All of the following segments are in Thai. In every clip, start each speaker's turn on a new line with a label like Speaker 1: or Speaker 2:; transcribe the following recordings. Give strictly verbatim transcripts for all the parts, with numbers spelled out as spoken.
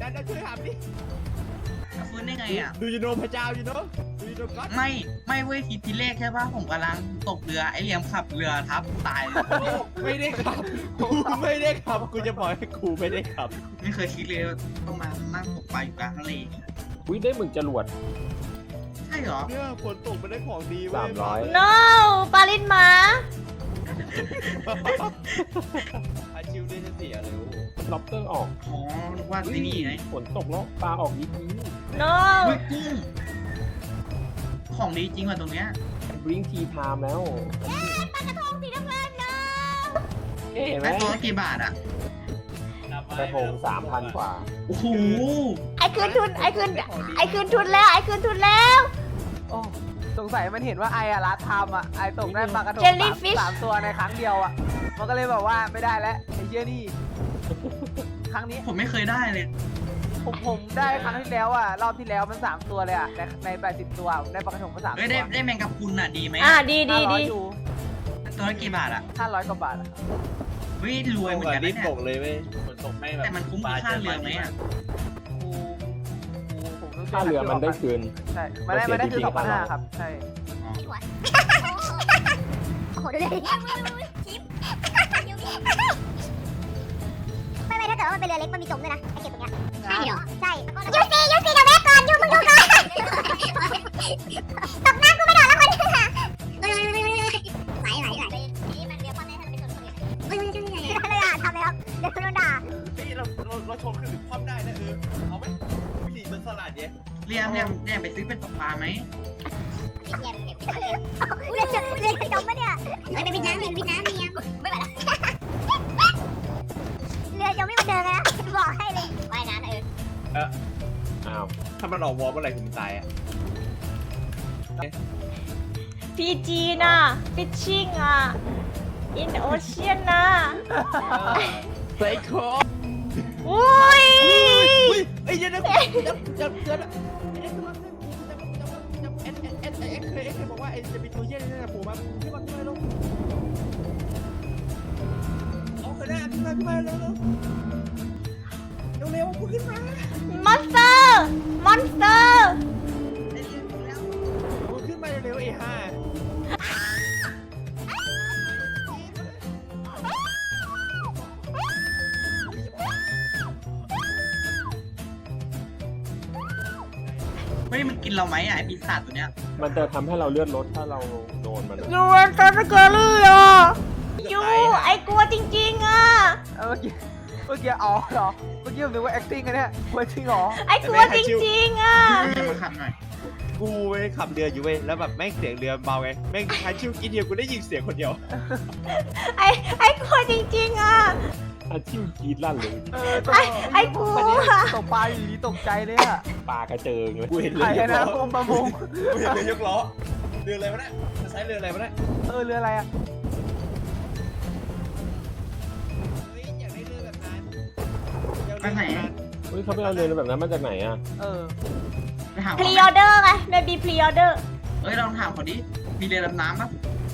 Speaker 1: นั่นช่วยถามดิ
Speaker 2: ฟื้นได้ไงอ่ะ
Speaker 1: ดูยูโนพระเจ้ายูโนดูยูโนก็
Speaker 2: ไม่ไม่เว้ยทีทีแรกใช่ป่ะผมกำลังตกเรือไอเหลี่ยมขับเรือทับตาย
Speaker 1: ไม่ได้ขับกูไม่ได้ขับกูจะบอกให้กูไม่ได้ขับ
Speaker 2: ไม่เคยคิดเลยต้องมานั่งตกปลาอยู่กลางทะเล
Speaker 3: อุ้ยได้หมึกจรวด
Speaker 2: ใช่เหรอ
Speaker 1: เนี่ยฝนตกมันได้ของดี
Speaker 3: สามร้อย
Speaker 4: no ปลาลิ้นหมา
Speaker 1: อาชิวได้จะเสียเลย
Speaker 3: ล็อบเตอร์ออก
Speaker 2: อ๋อนึกว่าที่นี่ไง
Speaker 3: ฝนตกแล้วปลาออกนิดนี้
Speaker 4: no
Speaker 2: กุ้งของดีจริงว่ะตรงเนี้ย
Speaker 3: บริ้งทีไทม์แล้ว
Speaker 4: ปลากระทงสีน้ำเงินเนาะ
Speaker 3: เอ๊ะไหม
Speaker 2: ตัวกี่บาทอ่ะ
Speaker 3: กระทงสามพันกว่า
Speaker 2: โอ้โห
Speaker 4: ไอ้คืนทุนไอ้คืนไอ้คืนทุนแล้วไอ้คืนทุนแล้ว
Speaker 5: โอ้สงสัยมันเห็นว่าไอ้อะรัดทำอะไอ้ตกได้ปลากระทงสามตัวในครั้งเดียวอะมันก็เลยบอกว่าไม่ได้แล้วไอ้เชี่ยนี่ครั้งนี้
Speaker 2: ผมไม่เคยได้เลย
Speaker 5: ผมผมได้ครั้งที่แล้วอะรอบที่แล้วมันสามตัวเลยอะในในแปดสิบตัวได้ปลากระทงมาสามตัว
Speaker 2: ได้ได้แมงกะพรุนอะดีไหม
Speaker 4: อ่าดีดีดี
Speaker 2: ตัวละกี่บาทอะ
Speaker 5: ห้าร้อยกว่าบาทอะ
Speaker 2: เฮ้ยรวยเหมือนกัน
Speaker 1: เนี่ยตกเลยเว้ยฝนตกไม่แบบ
Speaker 2: แต่มันคุ้มค่าเรือไหมอะ
Speaker 3: ค่าเรือมันได้คืน
Speaker 5: ใช่มันได้มันได้คืนสองพันห้าครับใช่
Speaker 4: โอ้โหดูดิชิปไม่ไม่ถ้าเกิดว่ามันเป็นเรือเล็กมันมีจมด้วยนะไอเก็บตรงเนี้ยใช่เหรอใช่ยูซียูซีเดี๋ยวแม่ก่อนยูมึงดูก่อนตกน้ำกูไม่โดดแล้วคนไหลไหลไหลนี่มันเรือพ่อแม่ให้เราไปชนคนอื่นเฮ้ยเลยอ่ะทำเลยครับเดี๋ยวโดนด่า
Speaker 1: เฮ้ยเราเราเราชมคือคว่ำได้นะเออเอาไหมวิธีมันสลัดเนี่ย
Speaker 2: เรียมเรียมเรียมไปซื้อเป็นตกปลาไหม
Speaker 4: เย็นเก็บเรือจมเรือจมปะเนี่ยเฮ้ยไปวิดน้ำเรียนวิดน้ำเรียมไม่ไหวแล้วเรือจมไม่มาเดินเลยนะบอกให้เลยว่ายน้ำเออ
Speaker 1: เอออ้าวถ้ามันออกวอลเมื่อไหร่ถึงมันตายอ่ะ
Speaker 4: พีจีน่ะฟิชชิ่งอ่ะอินโอเชียนน่ะ
Speaker 1: ไซโค
Speaker 4: อุ้ย
Speaker 1: ไอ้ยันนะจับจับจับเอ็นเอ็นเอ็นเอ็นเคยเอ็นเคยบอกว่าไอ้จะมีตัวเย็นนี่นะผมมาขึ้นมาขึ้นมาลงเอาขึ้นได้ขึ้นมาขึ้นมาเร็วเร็วเร็วเร็วขึ้นมามอนสเตอร์
Speaker 4: มอนสเตอร์
Speaker 1: ขึ้นมาเร็วเอห้า
Speaker 2: เฮ้ยมันกินเราไหมอ่ะไอปีศาจตัวเนี้ย
Speaker 3: มันจะทำให้เราเลือดลดถ้าเราโดนมัน
Speaker 4: ยูเวนตัสเกอรี่อ่ะยูไอกลัวจริงๆอ่ะ
Speaker 5: เมื่อกี้เมื่อกี้อ๋อเหรอเมื่อกี้ผมนึกว่า acting กันเนี่ยกลัวจริงเหรอ
Speaker 4: ไอกลัวจริงๆอ่ะ
Speaker 2: มาขับหน่อย
Speaker 1: กูเว้ยขับเรืออยู่เว้ยแล้วแบบแม่งเสียงเรือเบาไงแม่งทันชิวกินเดียวกูได้ยินเสียงคนเดียว
Speaker 4: ไอไอกลัวจริงๆอ่ะ
Speaker 3: อาชิวกีดลั่นเลย
Speaker 4: ไอไอกลัว
Speaker 5: ตกปลาอยู่ดีตกใจเลยอะ
Speaker 3: ปลากระเจิงเลย
Speaker 1: กูเห็นเรื
Speaker 5: อยกล้อประมง
Speaker 1: กูเห็นเรือยกล้อเรืออะไรวะเนี่ยจะใช้เรืออะไรวะเนี่ย
Speaker 5: เออเรืออะไรอะ
Speaker 1: เฮ้ยอยากได้เรือแบบนั้น
Speaker 2: ไปไหน
Speaker 3: เฮ้ยเขาไปเอาเรือแบบนั้นมาจากไหนอะ
Speaker 5: เออ
Speaker 2: ไปถาม
Speaker 4: พรีออเดอร์ไงเมบีพรีออเดอร์
Speaker 2: เอ้ยลองถามเขาดิมีเรือดำน้ำปะ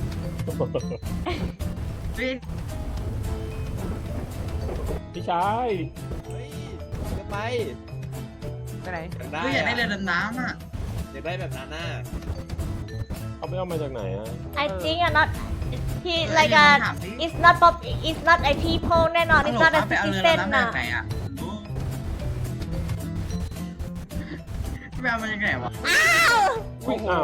Speaker 2: เฮ้ย
Speaker 3: พี่ชาย
Speaker 1: เฮ้ยจะไป
Speaker 5: ไปไหน
Speaker 2: เฮ้ยอยากได้เรือดำน้ำอ่ะ
Speaker 1: อยากได้แบบนั้นน่ะ
Speaker 3: เขาไปเอามาจากไหนอ่ะ
Speaker 4: I think are not he like a it's not pop it's not a people แน่นอน it's not a citizen น่ะ
Speaker 2: ไปเอามาจากไหนวะ
Speaker 4: อ้าว
Speaker 3: โอ้โห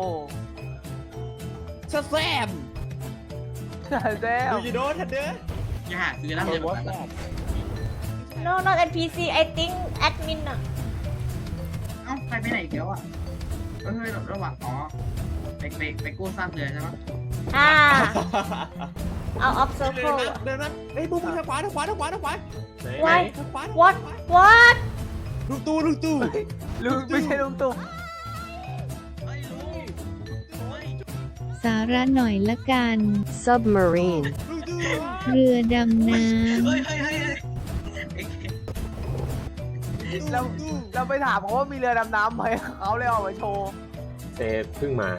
Speaker 1: แซม
Speaker 5: แซม
Speaker 1: ดูยูโดทันเด้อ
Speaker 2: อย่าหาซื้อแล้วเดี๋ยว
Speaker 4: no not เอ็น พี ซี I think admin น่ะ
Speaker 2: เอ้าใครไปไหนเกี่ยวอ่ะเฮ้ยระหว่างอ๋อไปไปไปกู้ซากเรือใช่ไหม
Speaker 4: อ่าเอา off circle
Speaker 1: เดินนั้นเฮ้ยบุ้มทางขวาทางขวาทางขวาทางขวา
Speaker 4: why what what
Speaker 1: ลุงตู่ลุงตู่
Speaker 5: ลุงไม่ใช่ลุงตู่
Speaker 6: สาระหน่อยละกัน submarine เรือดำน้ำ
Speaker 5: เราเราไปถามเขาว่ามีเรือดำน้ำไหมเขาเลยเอามาโชว์
Speaker 3: เซเพิ่งมา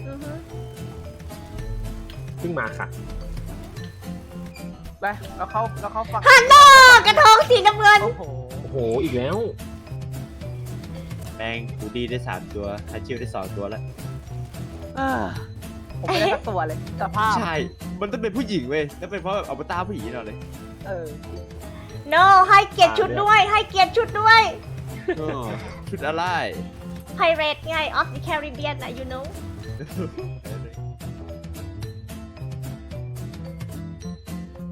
Speaker 3: เพิ่งมาค่ะ
Speaker 5: ไปแล้วเขาแล้วเขาฟัง
Speaker 4: ฮัลโหลกระทงสีน้ำเงิน
Speaker 3: โอ้โหโหอีกแล้ว
Speaker 7: แม่งกูดีได้สามตัวฮัชิวได้สองตัวแล้ว
Speaker 5: อ่าผมไม่ได้สักตัวเลยสภาพ
Speaker 7: ใช่ มันต้องเป็นผู้หญิงเว้ยแล้วเป็นเพราะแบบเอาตาผู้หญิงเราเลย
Speaker 5: เออ
Speaker 1: no ให้เกียรติชุดด้วย ให้เกียรติชุดด้วย
Speaker 7: อ้อชุดอะไร
Speaker 1: Pirate ไง of the Caribbean นะ you know